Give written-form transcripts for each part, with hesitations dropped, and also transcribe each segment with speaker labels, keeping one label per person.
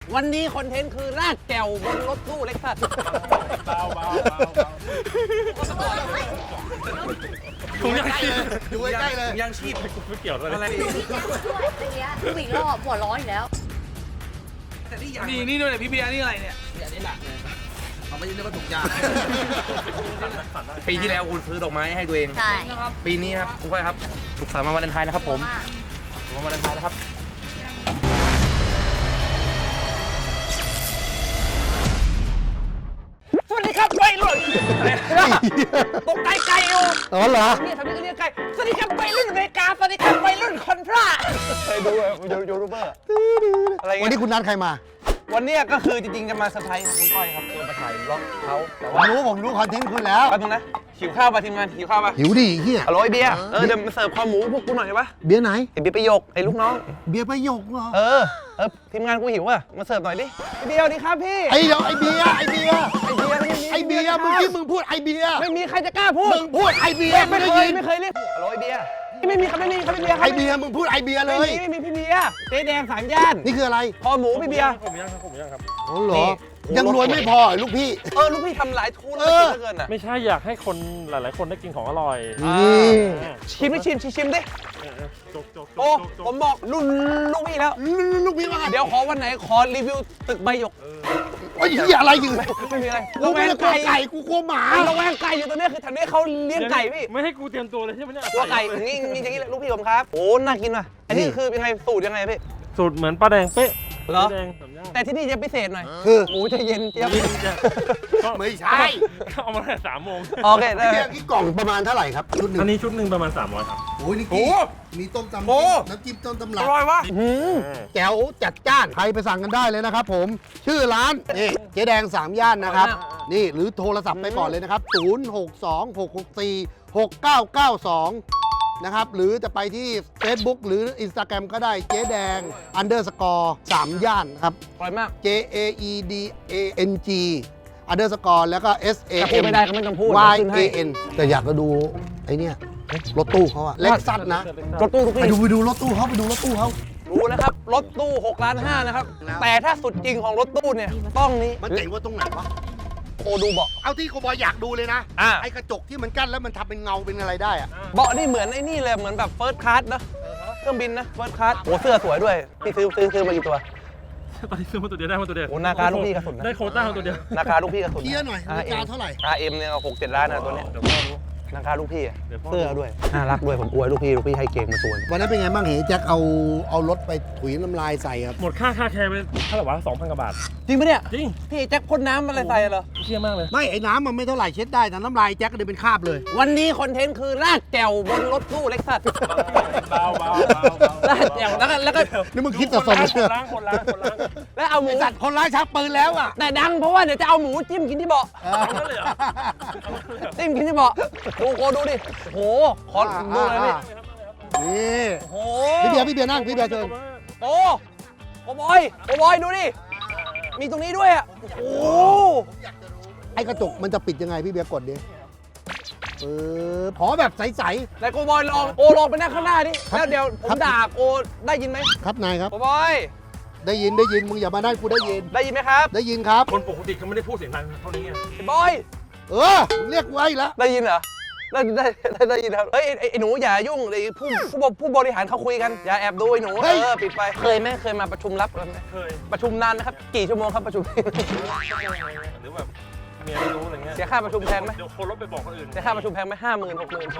Speaker 1: วันนี้คอนเทนต์คือลากแก้วบนรถตู้เล็กซัสเบา
Speaker 2: ถุงยังชีพ
Speaker 3: ดูใกล้ๆเลย
Speaker 1: ยังชีพ
Speaker 2: ไม่เกี่ยวอะไร
Speaker 4: ดูอีกรอบหัวร้อนอีกแล้ว
Speaker 1: นี่ด้วยเนี่ยพี่เบียร์นี่อะไรเนี่ย
Speaker 3: เขาไม่ใช่เรื่องถูกยา
Speaker 1: ปีที่แล้วคุณซื้อดอกไม้ให้ตัวเอง
Speaker 4: ใช่
Speaker 1: ปีนี้ครับคุณก้อยครับสุขสันต์วันวาเลนไทน์นะครับผมวันวาเลนไทน์นะครับสวัสดีครับวัยรุ่นตกใจไก่อยู่
Speaker 3: อ๋อเหรอ
Speaker 1: นี่ทำนี่ก็เรียกไก่สวัสดีครับวัยรุ่นอเมริกาสวัสดีครับวัยรุ่นคอนทราเคยดูยูทูบเบอร์อะไร
Speaker 3: วัน
Speaker 1: เงี้
Speaker 3: นี้
Speaker 1: ย
Speaker 3: คุณนัดใครมา
Speaker 1: วันนี้ก็คือจริงๆจะมาเซอร์ไพรส์คุณก้อยครับจะมาถ่ายบล็อกเขาแต่
Speaker 3: ผม
Speaker 1: ว่า
Speaker 3: รู้คอนเทนต์คุณแล้ว
Speaker 1: แป๊บนึงนะหิวข้าวป่ะทีมงานหิวข้าวป่ะ
Speaker 3: หิวดิเฮีย
Speaker 1: ฮัลโหลไอเบียร์เดี๋ยวมาเสิร์ฟคอหมูพวกกูหน่อยได้ปะ
Speaker 3: เบียร์ไหน
Speaker 1: ไอเบียร์ประโยคไอลูกน้อง
Speaker 3: เบียร์ประโยคเหรอ
Speaker 1: เออทีมงานกูหิวอ่ะมาเสิร์ฟหน่อยดิไอเบียร์สวัสดีครับพี่
Speaker 3: ไอ้เดี๋ยวไอ้เบียร์
Speaker 1: ไอเบียร์ไม่มี
Speaker 3: ไอ้เบียร์เมื่อกี้มึงพูดไอ้เบียร์
Speaker 1: ไม่มีใครจะกล้าพูด
Speaker 3: มึงพูดไอ้เบียร์
Speaker 1: ไม่
Speaker 3: ได้
Speaker 1: เคย
Speaker 3: ยิน
Speaker 1: ไม่เคยเรียกฮัลโหลไอเบียร์ไม่มีครับไม่มีครับพี่เบียร์ครับ
Speaker 3: ไอ้เบียร์มึงพูดไอ้เบียร์เล
Speaker 1: ไม่
Speaker 3: ย
Speaker 1: มีพี่เบียร์เจ๊แดง3 ย่าน
Speaker 3: นี่คืออะไร
Speaker 1: คอหมูพี่เบียร์
Speaker 2: ผมยังครับ
Speaker 3: โอ้เหร
Speaker 1: นี่
Speaker 3: อยังรวยไม่พอเหรอลูกพี่
Speaker 1: ลูกพี่ทำหลายทูนแล้วกินเหลือเกินอ่ะ
Speaker 2: ไม่ใช่อยากให้คนหลายๆคนได้กินของอร่อย
Speaker 3: นี่
Speaker 1: ชิมดิ
Speaker 2: จก
Speaker 1: โอ้ผมบอกรุ่นลูกพี่แล้ว
Speaker 3: ลูกพี่ว่าไง
Speaker 1: เดี๋ยวขอวันไหนขอรีวิวตึกใบหยก
Speaker 3: โอ้ยเฮียอะไรอยู่
Speaker 1: ไม่มีอะไร
Speaker 3: กูไม่ได้กลัวไก่กูกลัวหมา
Speaker 1: ระแวงไก่อยู่ตรงนี้คือแถวนี้เขาเลี้ยงไก่พี่
Speaker 2: ไม่ให้กูเตรียมตัวเลยใช่ไหมเนี่ย
Speaker 1: ตัวไก่อย่างนี้อย่างนี้เลยลูกพี่ผมครับโอ้น่ากินว่ะอันนี้คือยังไงสูตรยังไงพี่
Speaker 2: สูตรเหมือนปลาแดงเป๊ะ
Speaker 1: เหรอ
Speaker 2: ปลาแดงสามย่าน
Speaker 1: แต่ที่นี่จะพิเศษหน่อย
Speaker 3: คือ
Speaker 1: หมูจะเย็นเจี๊ยบ
Speaker 3: ไม่ใช่
Speaker 2: เอามาตั้งแต่3 โมง
Speaker 1: โอเคได้
Speaker 3: เบียร์กี่กล่องประมาณเท่าไหร่ครับชุดหนึ่ง
Speaker 2: อันนี้ชุดหนึ่งประมาณ300ครับ
Speaker 3: โอ้ยนี่
Speaker 1: โอ้
Speaker 3: มีต้มตำ
Speaker 1: โอ้
Speaker 3: น้ำจิ้มต้มตำ
Speaker 1: อ
Speaker 3: ลับ
Speaker 1: ร่อยวะ
Speaker 3: แจ๋วจัดจ้าน ใครไปสั่งกันได้เลยนะครับผม ชื่อร้านนี่เจ๊แดง 3 ย่านนะครับ นี่หรือโทรศัพท์ไปก่อนเลยนะครับ 0626646992 นะครับ หรือจะไปที่ Facebook หรือ Instagram ก็ได้เจ๊แดง _3 ย่านครับ
Speaker 1: อร่อยมาก
Speaker 3: JAEDANG _ แล้วก็
Speaker 1: แต่พูดไม่ได้ก็ไม่ต้องพูด
Speaker 3: SAMYAN แต่อยากจะดูไอ้เนี่ยรถตู้เขาอะเล็กซัสนะ
Speaker 1: รถตู้ทุก
Speaker 3: ไป
Speaker 1: ที่
Speaker 3: ดูรถตู้เขาไปดูรถตู้เขา
Speaker 1: รู้นะครับรถตู้6.5 ล้านนะครับแต่ถ้าสุดจริงของรถตู้เนี่ยต้องนี้
Speaker 3: มันเจ๋งว่าตรงไหนวะ
Speaker 1: โอดูเบาะ
Speaker 3: เอาที่โคบอยอยากดูเลยนะ
Speaker 1: อ่ะ
Speaker 3: ไอ้กระจกที่มันกั้นแล้วมันทำเป็นเงาเป็นอะไรได้อะ
Speaker 1: เบาะนี่เหมือนไอ้นี่เลยเหมือนแบบเฟิร์สคลาสนะเครื่องบินนะเฟิร์สคลาสโอ้เสื้อสวยด้วยพี่ซื้อมากี่ตัว
Speaker 2: ตอนนี้ซื้อมาตัวเดียวได้มาตัวเดียว
Speaker 1: โอ้นาคาลูกพี่กระสุนนะ
Speaker 2: ได้โควต้ามาตัวเดียว
Speaker 1: ราคาลูกพี่กระสุน
Speaker 3: เทียร์หน่อยราคาเท่าไหร่
Speaker 1: RM เนี่ย6-7 ล้านนะตัวเนี้ย
Speaker 2: เดี๋ยวพ่อรู้
Speaker 1: ราคาลูกพี่อะ
Speaker 2: เดี๋ยวพ่อ
Speaker 1: เสื้อด้วยน่ารักด้วยผมอวยลูกพี่ให้เก่งมาตัวนึง
Speaker 3: วันนั้นเป็นไงบ้างเห็นแจ็คเอารถไปถุยน้ำลายใส่ครับ
Speaker 2: หมดค่าแคร์ไปเท่าไหร่วะ 2,000 กว่าบาท
Speaker 1: จริงปะเนี่ย
Speaker 2: จริง
Speaker 1: พี่แจ็คพ่นน้ำอะไรใส่เหรอ
Speaker 2: เชี่ยมากเลย
Speaker 3: ไม่ไอ้น้ำมันไม่เท่าไหร่เช็ดได้แต่น้ำลายแจ็คก็เลยเป็นคราบเลย
Speaker 1: วันนี้คอนเทนต์คือลากแก้วบนรถตู้เล็กซัส
Speaker 2: เบา
Speaker 1: ลากแก้วแล้วก็
Speaker 3: นี่มึงคิดแต่สม
Speaker 2: คนล้าง
Speaker 1: แล้วเอาหมู
Speaker 3: ไอ้สัตว์คนร้ายชักปืนแล้วอ่ะ
Speaker 1: แต่ดังเพราะว่าเดี๋ยวจะเอาหมูจิ้มกินที่เบาะ
Speaker 2: เอานั่นเลยเหรอ
Speaker 1: จิ้มกินที่เบาะดูโคดูดิโหขอดูเลยพี่
Speaker 3: นี่
Speaker 1: โห
Speaker 3: พี่เบียร์นั่งพี่เบียร์เชิญ
Speaker 1: โอ้โอบอยดูดิมีตรงนี้ด้วยอ่ะโอ้
Speaker 3: ไอ้กระจกมันจะปิดยังไงพี่เบียร์กดดิขอแบบใส
Speaker 1: ไหนโกบอยลองไปนั่งข้างหน้าดิแล้วเดี๋ยวผมด่าโกได้ยินไหม
Speaker 3: ๆครับนายครับ
Speaker 1: โกบอย
Speaker 3: ได้ยินมึงอย่ามาได้กูได้ยิน
Speaker 1: ได้ยินไหมครับ
Speaker 3: ได้ยินครับ
Speaker 2: คนปกติเขาไม่ได้พูดเสียงดังเท่านี้ไง
Speaker 1: ไอ้บอย
Speaker 3: มึงเรียกไว้แล้ว
Speaker 1: ได้ยินเหรอได้ยินครับเฮ้ยไอ้หนูอย่ายุ่งไอ้ผู้บริหารเขาคุยกันอย่าแอบดูไอ้หนูปิดไปเคยมาประชุมลับกันไหม
Speaker 2: เคย
Speaker 1: ประชุมนานนะครับกี่ชั่วโมงครับประชุม
Speaker 2: หรือแบบเมียไม่รู้อะไรเงี้ย
Speaker 1: เสียค่าประชุมแพงไหม
Speaker 2: เดี๋ยวคนรถไปบอกคนอื่น
Speaker 1: เสียค่าประชุมแพงไหม50,000 60,000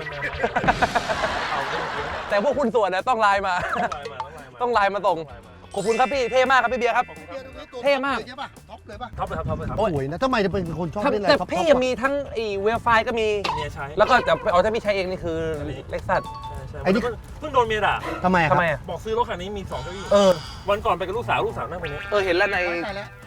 Speaker 1: แต่พวกคุณส่วนเนี่ยต้องไลน์มา ต้องไลน์มาส่งขอบคุณครับพี่เท่มากครับพี่เบียร์ครับ เท่มาก
Speaker 3: ใช่ป่ะท็อปเลยป่ะ
Speaker 2: ท็อปเลยครับ
Speaker 3: สวยนะทำไมจะเป็นคนชอบเล่นอะไร
Speaker 1: แต่
Speaker 3: ท็อป
Speaker 1: พี่มีทั้งไอ้เวลไฟก็มี
Speaker 2: เมียใช้
Speaker 1: แล้วก็แต่เอาถ้าพี่ใช้เองนี่คือเล็กซัส
Speaker 3: ไอ้นี่
Speaker 2: เพิ่งโดนเมียด่า
Speaker 3: ทำไมครับ
Speaker 1: ทำไมอ่ะ
Speaker 2: บอกซื้อรถคันนี้มี2 เก้าอี้
Speaker 1: เออ
Speaker 2: วันก่อนไปกับลูกสาวนั่งตรงนี้
Speaker 1: เห็นแล้วใน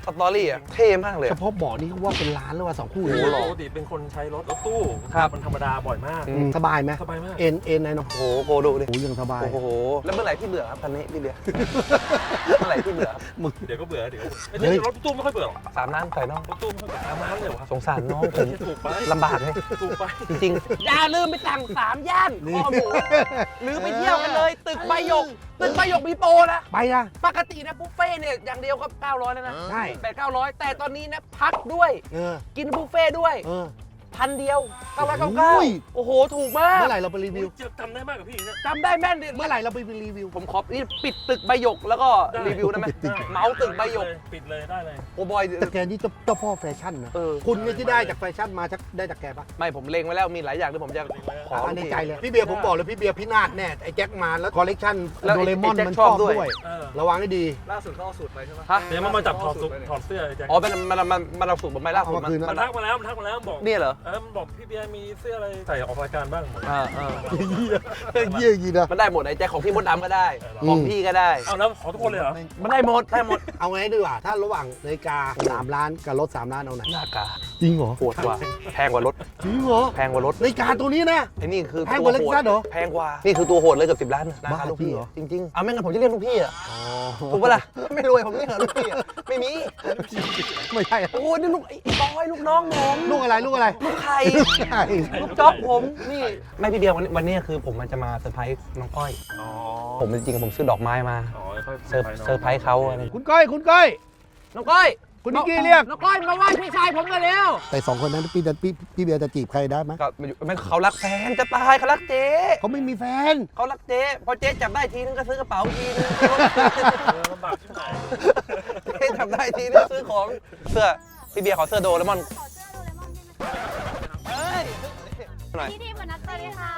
Speaker 1: สตอรี่อ่ะเท่มากเลย
Speaker 3: เฉพาะเบาะนี่ก็ว่าเป็นล้านแล้วว่า2 คู่
Speaker 2: โอ้
Speaker 3: เลย
Speaker 2: โหปกติเป็นคนใช้รถตู้
Speaker 1: ครับ
Speaker 2: มันธรรมดาบ่อยมาก
Speaker 3: สบายไหม
Speaker 2: สบายมาก
Speaker 3: เอ็นไหนเนาะ
Speaker 1: โอ้โหโกดูดิ
Speaker 3: โอ้ยังสบาย
Speaker 1: โอ้โหแล้วเมื่อไหร่พี่เบื่อครับคันนี้พี่เบียร์ เมื่อไหร่พี่เบื่อครับ
Speaker 3: มึง
Speaker 2: เดี๋ยวก็เบื่อเดี๋ยว
Speaker 3: เฮ้ย
Speaker 2: รถตู้ไม่ค่อยเบื่อหรอก
Speaker 1: 3 ล้านใส่น้อง
Speaker 2: รถตู้ไม่ค่อยเบื่อน้ำเลยวะ
Speaker 1: สงสารน้องผม
Speaker 2: ถูกไป
Speaker 1: ลำบากเลย
Speaker 2: ถูกไป
Speaker 1: จริงๆอย่าลืมไปสั่ง3 ย่าน
Speaker 3: นี่
Speaker 1: คอหมูหรือไปเที่ยวกันเลย ตึกใบหยกตึกใบหยกมีโปรนะ
Speaker 3: ไปนะ
Speaker 1: ปกตินะบุฟเฟ่ต์เนี่ยอย่างเดียวก็900แล้วนะ
Speaker 3: ใช่
Speaker 1: 800-900 แต่ตอนนี้นะพักด้วย
Speaker 3: เออ
Speaker 1: กินบุฟเฟ่ต์ด้วย
Speaker 3: เออ
Speaker 1: 1,000 เดียว
Speaker 3: โอ้ย
Speaker 1: 999โอ้โห ถูกมาก
Speaker 3: เมื่อไหร่เราไปรีวิว
Speaker 2: จำได้มากกว่าพี่เนี่ย
Speaker 1: จำได้แม่นดิ
Speaker 3: เมื่อไหร่เราไปรีวิว
Speaker 1: ผมขอนี่ปิดตึกใบหยกแล้วก็
Speaker 2: ได้
Speaker 1: รีวิวได้ไหมเมาส์ตึกใบหยก
Speaker 2: ปิดเลยได้เลย
Speaker 1: โอ้บอย
Speaker 3: แต่แกนี่เจ้าพ่อแฟชั่นนะ
Speaker 1: เออ
Speaker 3: คุณเนี่ยที่ได้จากแฟชั่นมาได้จากแกปะ
Speaker 1: ไม่ผมเล็งไว้แล้วมีหลายอย่างที่ผมจะขอ
Speaker 3: ในใจเลย พี่เบียร์ผมบอกเลยพี่เบียร์พินาศแน่ไอ้แจ็คมาแล้วคอลเลกชัน
Speaker 1: แล้ว
Speaker 3: โดเรมอน
Speaker 1: ไอ้แจ็ค
Speaker 3: มัน
Speaker 1: ช
Speaker 3: ช
Speaker 1: อ
Speaker 3: อ
Speaker 1: บบ ด้วย
Speaker 3: ด้วย
Speaker 2: เออ
Speaker 3: ระวังให้ดี
Speaker 5: ล่าสุดเขาเอาสูตรไปใช่ไหม
Speaker 1: ฮะ
Speaker 2: เดี๋ยวมันมาจับถอดเสื้อไอ้แจ็ค
Speaker 1: อ๋อเป็นมันเอาสูตรผมไปล่าสุด
Speaker 3: เอามาคืนนะ
Speaker 2: มันทักมาแล้วบอก
Speaker 1: เนี่ยเหรอ
Speaker 2: มันบอกพี่เบียร์มีเสื้ออะไรใส่ออกรายการบ้างบอก
Speaker 3: เยี่ยยีนะ
Speaker 1: มันได้หมดไอ้แจ็คของพี่มดดำก็ได้
Speaker 3: อืม
Speaker 1: ของพี่ก็ได้
Speaker 2: เอาแล้วขอทุกคนเลยเหรอ
Speaker 1: มันได้หมดได้หมด
Speaker 3: เอาไงดีกว่าถ้าระหว่างนาฬิกา3 ล้านกับรถ3 ล้านเอาไหน
Speaker 1: หน้ากา
Speaker 3: จริงเหรอ
Speaker 1: โหดกว่าแพงกว่ารถ
Speaker 3: จริงเหรอ
Speaker 1: แพงกว่ารถ
Speaker 3: นาฬิกาตัวนี้นะ
Speaker 1: ไอ้นี่คือ
Speaker 3: แพงกว่า
Speaker 1: ตัวโหด
Speaker 3: Lexus เหรอ
Speaker 1: แพงกว่านี่คือตัวโหดเลยเกือบ10 ล้านนะ
Speaker 3: บ้า
Speaker 1: ลูกพี่
Speaker 3: จริงเหรอ
Speaker 1: จริงๆเอาไม่งั้นผมจะเรียกลูกพี่อ่ะถูกปะล่ะไม่รวยผมเรียกเหรอลูกพี่อะไม่มี
Speaker 3: ไม่ใช่
Speaker 1: โอ้นี่ลูกไอ้บอยลูกน้องผม
Speaker 3: ลูกอะไรลูกอะไร
Speaker 1: ลูกไข่
Speaker 3: ใช่
Speaker 1: ลูกจ๊อบผมนี่ไม่พี่เบียร์วันนี้คือผมมันจะมาเซอร์ไพรส์น้องก้อย
Speaker 2: อ๋อ
Speaker 1: ผมจริงๆผมซื้อดอกไม้มา
Speaker 2: อ๋อค่อย
Speaker 1: เซอร์ไพรส์เขาอะไร
Speaker 3: คุณก้อยคุณก้อย
Speaker 1: น้องก้อย
Speaker 3: คุณนิกกี้เรียก
Speaker 1: น้องก้อยมาไหว้พี่ชายผมกันแล้ว
Speaker 3: แต่2 คนนั้นพี่เบียร์จะจีบใครได้ไหม
Speaker 1: ก็มันเขารักแฟนจะตายเขารักเจ๊
Speaker 3: เขาไม่มีแฟน
Speaker 1: เขารักเจ๊พอเจ๊จับได้ทีนึงก็ซื้อกระเป๋าทีนึง
Speaker 2: ลำบากที่ไหน
Speaker 1: เจ๊จับได้ทีนึงซื้อของเสื้อพี่เบียร์ขอเสื้อโดเรมอน
Speaker 4: ขอเสื้อโดเรมอนได้ไหม
Speaker 1: เฮ้ยหน่อย
Speaker 4: พี่ทีมมานัดสวัสดีค่ะ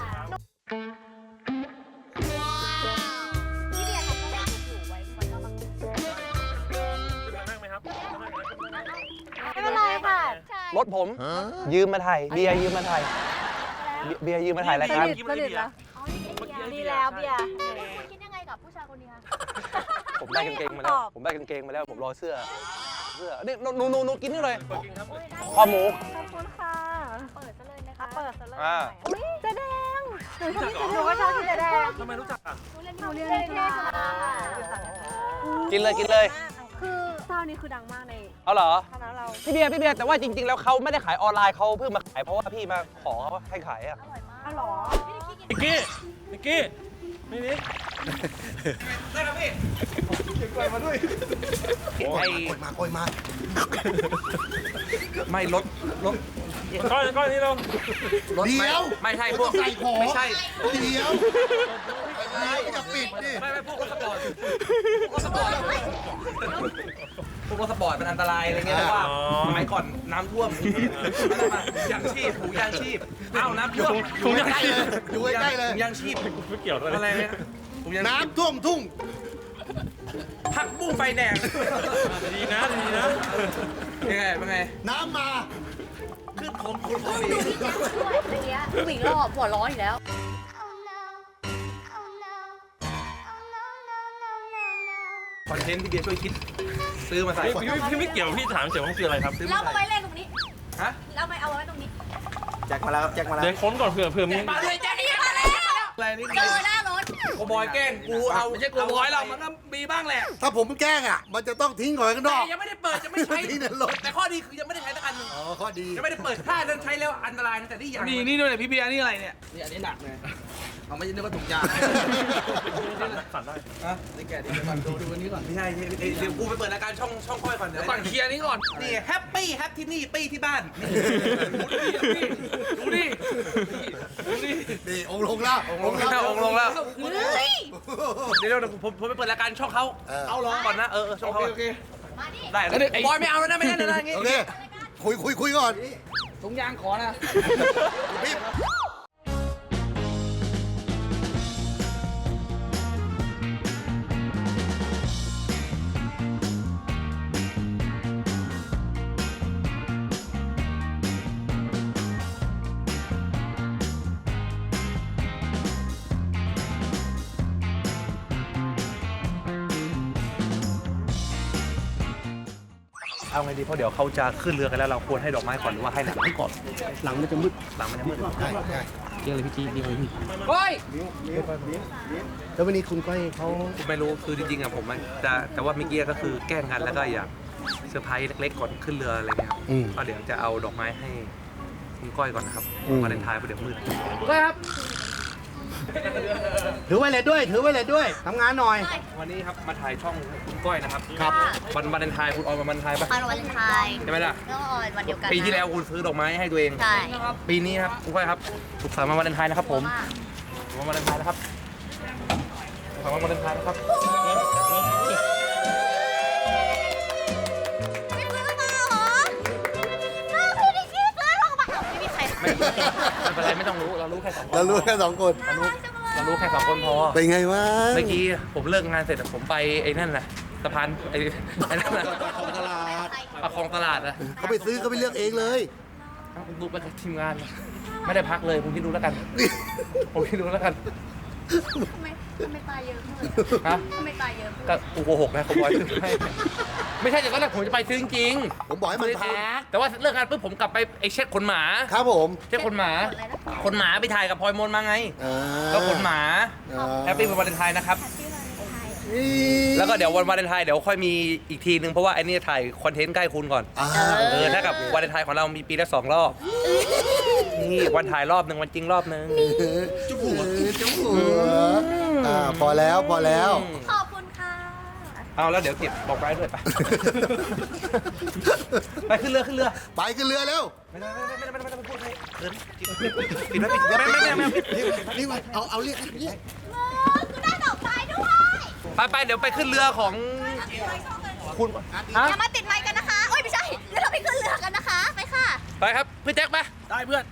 Speaker 4: พี่เบียร์ทำกระเป๋าถูกไว้แล้วมัน
Speaker 2: นั่งไหมครับ
Speaker 4: ไม่เป็นไรค่ะ
Speaker 1: รถผมยืมมาถ่ายเบียร์ยืมมาถ่ายเบียร์ยืมมาถ่ายรายการ
Speaker 4: สนิทแล้วอ๋อนี่ดีแล้วเบียร์คิดยังไงกับผู้ชายคนนี้คะ
Speaker 1: ผมได้กางเกงมาแล้วผมได้กางเกงมาแล้วผมรอเสื้อนี่หนูกินนี่เลย
Speaker 2: เปิดกินครับ
Speaker 1: คอหมู
Speaker 4: ขอบคุณค่ะ เปิดซะเลยนะคะ เปิดซะเลย
Speaker 1: อ่า
Speaker 4: อุ้ยเจ๊แดงหนูก็ชอบเจ๊แดง
Speaker 2: ทำไมรู้จักอ่ะ
Speaker 4: หนูเรียนเทศมา
Speaker 1: กินเลย
Speaker 4: คือเจ้านี้คือดังมากใน
Speaker 1: เอาเหรอ
Speaker 4: คณะเรา
Speaker 1: พี่เบียร์แต่ว่าจริง ๆ แล้วเขาไม่ได้ขายออนไลน์เขาเพิ่งมาขายเพราะว่าพี่มาขอเขาให้ขายอ่ะ
Speaker 4: อร่อยมากอ๋อเหรอ
Speaker 2: นิกกี้นี่
Speaker 1: ได้ครับพี่
Speaker 3: ก้อยมา
Speaker 1: ไม่รถ
Speaker 2: ก้อยนี่เรา
Speaker 3: เดี๋ยว
Speaker 1: ไม่ใช่พวก
Speaker 3: ใส่ของ
Speaker 1: ไม่ใช่
Speaker 3: เดี๋ยวจะปิดดิ
Speaker 1: ไม่พวกรถสปอร์ตพวกรถสปอร์ตมันอันตรายอะไรเงี้ยแต่ว่าสมัยก่อนน้ำท่วมยางชีพถุงยางชีพอ้าวน้ำท่วม
Speaker 3: อยู่ใกล้เลยอยู่ใกล้เลย
Speaker 1: ถุงยางชีพ
Speaker 2: ไม่เกี่ยวเลย
Speaker 1: อะไรเนี่ยถุงยางชีพ
Speaker 3: น้ำท่วมทุ่ง
Speaker 1: ผักบุ้งไฟแดง
Speaker 2: ดีนะ
Speaker 1: เป็นไง
Speaker 3: น้ำมา
Speaker 1: ขึ้นของคุณพอดี
Speaker 4: เมื่อกี้ผู้หญิงเราหัวร้อนอยู่แล้ว
Speaker 1: คอนเทนต์ที่เบียร์ช่วยคิดซื้อมาใส่
Speaker 2: พี่ไม่เกี่ยวพี่ถามเฉยว่ามันคืออะไรครับ
Speaker 4: เรามาไว้เล่นตรงนี้
Speaker 1: ฮะ
Speaker 4: เราไม่เอาไว้ตรงนี้
Speaker 5: แจ็คมาแล้วครับแจ็คมาแล้ว
Speaker 2: เดี๋ยวค้นก่อนเผื่อมี
Speaker 1: มาเลยแจ๊ค
Speaker 4: นี่มาแล้ว
Speaker 1: อะไรนี่
Speaker 4: เจอหน้ารถ
Speaker 1: โกบอยแกล้งกูเอาไม่ใช่โกบอยเรามันก็มีบ้างแหละ
Speaker 3: ถ้าผมแกล้งอ่ะ มันจะต้องทิ้งก่อนข้างน
Speaker 1: แต่
Speaker 3: อก
Speaker 1: ยังไม่ได้เปิดจะไม่ใช้
Speaker 3: ทิ้งในรถ
Speaker 1: แต่ข้อดีคือยังไม่ได้ใช้สักอันหนึง
Speaker 3: อ๋อข้อดี
Speaker 1: ยังไม่ได้เปิดถ้านั้นใช้แล้วอันตรายนะแต่นี่ยังนี่ด้วยพี่เบียร์นี่อะไรเนี่ยนี่อันนี้หนักเลยเอาไม่ใช่นึกว่าถุงยาง
Speaker 2: สั่นได้
Speaker 1: อ่ะนี่แกะดิก่อนดูอันนี้ก่อนไม่ใช่เดี๋ยวกูไปเปิดรายการช่องค่อยก่อนเดี๋ยวก่อนเคลียร์นี้ก่อนนี่แฮปปี้ที่นี่ปี้ที่บ้านดูดิ
Speaker 3: นี่องค์ลงแล้ว
Speaker 1: องลงแล้ว
Speaker 4: เฮ้ย
Speaker 1: เดี๋ยวผมไปเปิดรายการช่องเขาเอาลองก่อนนะช่องเขา
Speaker 3: โอเค
Speaker 4: มาดิ
Speaker 1: ได้บอยไม่เอาแล้วนะไม่ได้นะอย่างงี้
Speaker 3: โอเค คุยก่อน
Speaker 1: ถุงยางขอนะ
Speaker 3: พี่
Speaker 1: เอาไงดีเพราะเดี๋ยวเขาจะขึ้นเรือกันแล้วเราควรให้ดอกไม้ก่อนหรือว่าให้หลัง
Speaker 3: ให้ก่อนหลังมันจะมืด
Speaker 1: หลังมันจะมืด
Speaker 3: ใช่ใช่
Speaker 1: เกี่ยงเลยพี่จีดีเลยพี่
Speaker 3: แล้ววันนี้คุณก้อยเขา
Speaker 1: ผมไม่รู้คือจริงๆอะผมมันจะแต่ว่าเมื่อกี้ก็คือแกล้งกันแล้วก็อยากเซอร์ไพรส์เล็กๆก่อนขึ้นเรืออะไรเงี้ยครับก็เดี๋ยวจะเอาดอกไม้ให้คุณก้อยก่อนนะครับวาเลนไทน์เพราะเดี๋ยวมืดก้อยครับ
Speaker 3: ถือไวเลสด้วย ถือไวเลสด้วยทำงานหน่อย
Speaker 1: วันนี้ครับมาถ่ายช่องคุณก้อยนะครับ
Speaker 3: ครับ
Speaker 1: วันวาเลนไทน์คุณออนวันวาเลนไทน์ปะ
Speaker 4: วันวาเลนไทน์
Speaker 1: ใช่ไหมล่ะ
Speaker 4: แล้วก็ออนวันเดียวกัน
Speaker 1: ปีที่แล้วคุณซื้อดอกไม้ให้ตัวเอง
Speaker 4: ใช่
Speaker 1: ปีนี้ครับคุณก้อยครับสุขสันต์วันวาเลนไทน์นะครับผมวันวาเลนไทน์นะครับสุขสันต์วันวาเลนไทน์นะครับ
Speaker 4: ไม่ซื้อมาเหรอน้าพี่นิกกี้ซื้อลงมาไม่มีใคร
Speaker 1: ไม่เป็นไรไม่ต้องรู้เรารู้แค่สองคน
Speaker 3: เรารู้แค่2 คน
Speaker 4: น่ารักจังเลย
Speaker 1: เรารู้แค่สองคนพอ
Speaker 3: เป็นไงวะ
Speaker 1: เมื่อกี้ผมเลิกงานเสร็จผมไปไอ้นั่นน่ะสะพานไอ้นั่นน่ะ
Speaker 3: ของตลาด
Speaker 1: ประคองตลาดนะ
Speaker 3: เขาไปซื้อเขาไปเลือกเองเลย
Speaker 1: ดูไปกับทีมงาน ไม่ได้พักเลยผมคิดดูแล้วกัน ผมคิดดูแล้วกัน
Speaker 4: ทำไมตายเยอะเลย
Speaker 1: ฮะ
Speaker 4: ทำไมตายเยอะ
Speaker 1: ก็กูโกหกนะผมบอกให้ไม่ใช่แต่ตอนแรกผมจะไปซื้อจริง
Speaker 3: ผมบอกให้มันท
Speaker 1: แต่ว่าเลิกงานปุ๊บผมกลับไปไอ้เช็ดขนหมา
Speaker 3: ำครับผม
Speaker 1: เช็ดขนหมาขนหมาไปถ่ายกับพลอยมนมาไง
Speaker 3: อ่า
Speaker 1: ก็ขนหมา
Speaker 3: อ่า
Speaker 1: แฮปปี้วันวาเลนไทน์นะครับ
Speaker 3: นี่
Speaker 1: แล้วก็เดี๋ยววันวาเลนไทน์เดี๋ยวค่อยมีอีกทีนึงเพราะว่าไอ้นี่ถ่ายคอนเทนต์ใกล้คุณก่อน
Speaker 3: อ่า
Speaker 1: ถ้ากับวาเลนไทน์ของเรามีปีละ2 รอบ นี่วันถ่ายรอบหนึ่งวันจริงรอบหนึ่ง
Speaker 3: จุ๊บหัวจุ๊บหัวพอแล้วพอแล้ว
Speaker 4: ขอบคุณค่ะ
Speaker 1: เอาแล้วเดี๋ยวเก็บบอกไว้ด้วยไป ไปขึ้นเรือขึ้นเรือ
Speaker 3: ไปขึ้นเรือเร็ว
Speaker 1: ไม่ต้องพูดให้เขินปิดไว้ปิดไม่ปิด
Speaker 3: นี่เอาเรียก
Speaker 4: คือได้ดอกไม้ด้วย
Speaker 1: ไปเดี๋ยวไปขึ้นเรือของคุณฮะ
Speaker 4: อย่ามาติดไม้กันนะคะโอ้ยไม่ใช่เดี๋ยวเราไปขึ้นเรือกันนะคะ ไปค่ะ
Speaker 1: ไปครับพี่แจ็คไป
Speaker 2: ได้เพื่อน